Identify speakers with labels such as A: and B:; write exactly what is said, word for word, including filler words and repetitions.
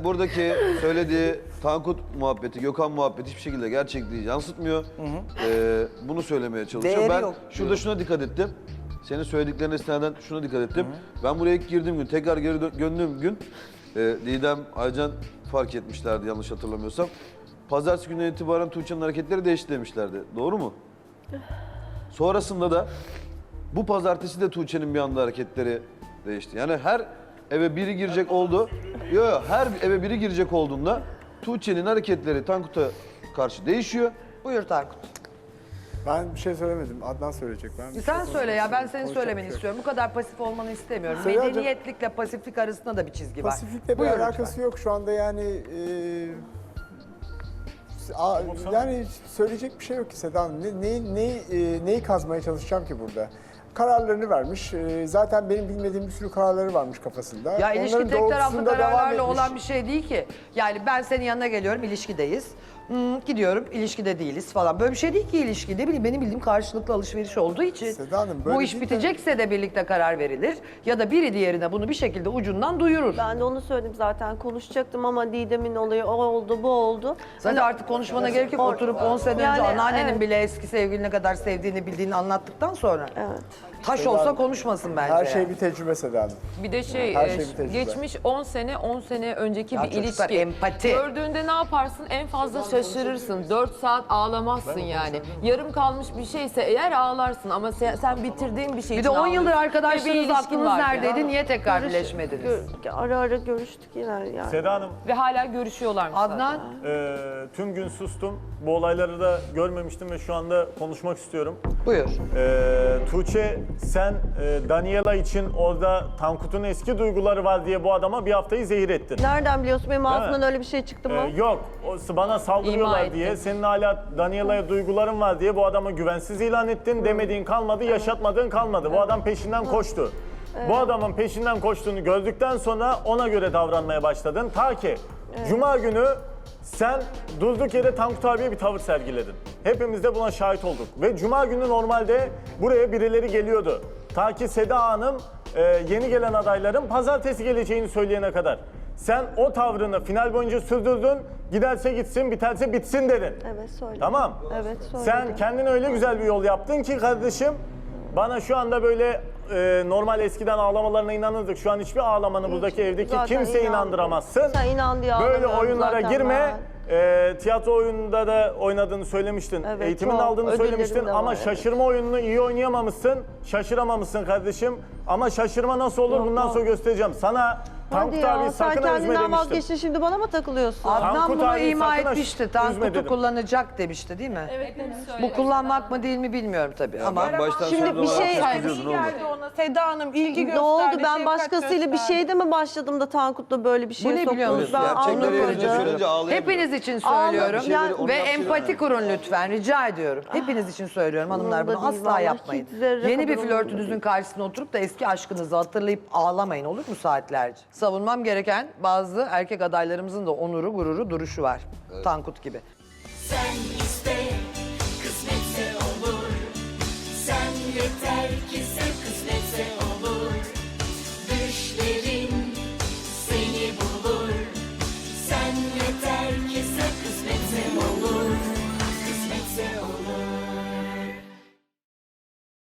A: buradaki söylediği Tankut muhabbeti, Gökhan muhabbeti hiçbir şekilde gerçekliği yansıtmıyor. Hı hı. Ee, bunu söylemeye çalışıyor.
B: Değeri
A: Ben
B: yok
A: şurada
B: diyor.
A: şuna dikkat ettim. Senin söylediklerine istinaden şuna dikkat ettim. Hı hı. Ben buraya ilk girdiğim gün, tekrar geri dö- döndüğüm gün e, Didem, Aycan fark etmişlerdi yanlış hatırlamıyorsam. Pazartesi gününden itibaren Tuğçe'nin hareketleri değişti demişlerdi. Doğru mu? Sonrasında da bu pazartesi de Tuğçe'nin bir anda hareketleri değişti. Yani her eve biri girecek oldu. Yok yok, her eve biri girecek olduğunda Tuğçe'nin hareketleri Tankut'a karşı değişiyor.
B: Buyur Tankut.
C: Ben bir şey söylemedim. Adnan söyleyecek. Ben bir
B: Sen
C: şey
B: söyle ya, ben senin
C: konuşacak
B: söylemeni
C: bir şey yok.
B: istiyorum. Bu kadar pasif olmanı istemiyorum.
C: Söyle
B: Medeniyetlikle pasiflik arasında da bir çizgi var.
C: Pasifikle bir
B: Buyur
C: alakası
B: lütfen.
C: yok şu anda yani. E, a- yani söyleyecek bir şey yok ki Seda Hanım. Ne, ne, ne, e, neyi kazmaya çalışacağım ki burada? Kararlarını vermiş. E, zaten benim bilmediğim bir sürü kararları varmış kafasında.
B: Ya ilişki
C: Onların
B: tek taraflı
C: doğrultusunda devam
B: kararlarla
C: etmiş.
B: olan bir şey değil ki. Yani ben senin yanına geliyorum, ilişkideyiz. Hmm, gidiyorum, ilişkide değiliz falan. Böyle bir şey değil ki ilişki. Ne bileyim, benim bildiğim karşılıklı alışveriş olduğu için
C: Seda Hanım, böyle
B: bu iş
C: değil de-
B: bitecekse de birlikte karar verilir. Ya da biri diğerine bunu bir şekilde ucundan duyurur.
D: Ben de onu söyledim zaten, konuşacaktım ama Didem'in olayı o oldu bu oldu.
B: Zaten
D: Hani-
B: artık konuşmana gerek yok.
D: Or-
B: Oturup on sene
D: Yani,
B: önce anneannenin
D: evet.
B: bile eski sevgilini ne kadar sevdiğini bildiğini anlattıktan sonra.
D: Evet.
B: Taş olsa konuşmasın bence.
C: Her şey
B: yani.
C: bir tecrübe Seda Hanım.
E: Bir de şey,
C: Her
E: e,
C: şey bir tecrübe.
E: geçmiş on sene, on sene önceki
B: Ya
E: bir
B: çocuklar,
E: ilişki.
B: empati.
E: Gördüğünde ne yaparsın? En fazla şaşırırsın. dört saat ağlamazsın yani. Yarım kalmış bir şeyse eğer ağlarsın ama sen, sen bitirdiğin bir şey
B: Bir de
E: için
B: on yıldır
E: ağlıyorsun. Ve bir
B: arkadaşsınız,
E: ilişkin
B: aklınız
E: var
B: neredeydi?
E: yani.
B: Niye tekrar
D: Görüş-
B: birleşmediniz?
D: gör- ara ara görüştük yine yani.
F: Seda Hanım,
E: Ve hala görüşüyorlarmış
B: Adnan,
E: zaten.
F: e, tüm gün sustum. Bu olayları da görmemiştim ve şu anda konuşmak istiyorum.
B: buyur.
F: E, Tuğçe, sen e, Daniela için orada Tankut'un eski duyguları var diye bu adama bir haftayı zehir ettin.
D: Nereden biliyorsun benim
F: Değil
D: ağzımdan
F: mi?
D: öyle bir şey çıktı mı?
F: E, yok, o, bana
E: İma
F: saldırıyorlar
E: ettin.
F: diye, senin hala Daniela'ya duyguların var diye bu adama güvensiz ilan ettin. Demediğin kalmadı, yaşatmadığın kalmadı. Bu adam peşinden koştu. Bu adamın peşinden koştuğunu gördükten sonra ona göre davranmaya başladın. Ta ki Cuma günü sen durduk yere Tankut abiye bir tavır sergiledin. Hepimiz de buna şahit olduk. Ve Cuma günü normalde buraya birileri geliyordu. Ta ki Seda Hanım e, yeni gelen adayların pazartesi geleceğini söyleyene kadar. Sen o tavrını final boyunca sürdürdün. Giderse gitsin, biterse bitsin dedin.
D: Evet söyledim.
F: Tamam.
D: Evet söyledim.
F: Sen kendine öyle güzel bir yol yaptın ki kardeşim, bana şu anda böyle e, normal eskiden ağlamalarına inanırdık. Şu an hiçbir ağlamanı buradaki evdeki
D: Zaten
F: kimseye
D: inandım.
F: inandıramazsın.
D: Sen inan diye
F: Böyle
D: ağlamıyorum
F: oyunlara
D: zaten
F: girme.
D: ben.
F: E, tiyatro oyununda da oynadığını söylemiştin.
D: Evet,
F: Eğitimini
D: çok.
F: aldığını
D: Ödüllerim
F: söylemiştin
D: de
F: ama
D: var, evet.
F: şaşırma oyununu iyi oynayamamışsın. Şaşıramamışsın kardeşim. Ama şaşırma nasıl olur
D: Yok,
F: bundan
D: yok.
F: sonra göstereceğim. Sana
D: Hadi
F: Tankut abi
D: ya, sen
F: sakın üzme
D: kendinden
F: demiştim.
D: vazgeçtin, şimdi bana mı takılıyorsun?
B: Adnan
F: Tankut
B: bunu
F: abi
B: ima
F: sakın ha-
B: etmişti.
F: üzme
B: Tankut'u
F: dedim.
B: kullanacak demişti değil mi? Evet. Bu kullanmak mı değil mi bilmiyorum tabii ama.
A: Ben baştan
D: Şimdi
A: sonra
D: bir
A: da
D: şey-
A: herkes biliyordu, ne oldu?
G: ona Seda Hanım ilgi
D: Ne
G: gösterdi.
D: oldu? Ben
G: şefkat
D: başkasıyla bir
G: gösterdi.
D: şeyde mi başladım da Tankut'la böyle bir şeye
B: Bu ne biliyor
D: soktunuz?
B: musun?
D: Ben
A: Gerçekleri
D: anlamadım.
A: görünce söyleyince ağlayamıyor.
B: Hepiniz için
D: Ağla-
B: söylüyorum
D: bir şeyleri- onu
B: ve
A: yapsın
B: empati
A: yani.
B: kurun lütfen, rica ediyorum. Hepiniz için söylüyorum hanımlar,
D: Umurumda
B: bunu
D: değil,
B: asla
D: vallahi
B: yapmayın.
D: hiç zerre
B: Yeni bir
D: kadar umurumda
B: flörtünüzün
D: değil.
B: karşısına oturup da eski aşkınızı hatırlayıp ağlamayın, olur mu saatlerce? Savunmam gereken bazı erkek adaylarımızın da onuru, gururu, duruşu var. Tankut gibi.
H: Sen iste, kısmetse olur. Sen yeter ki sev.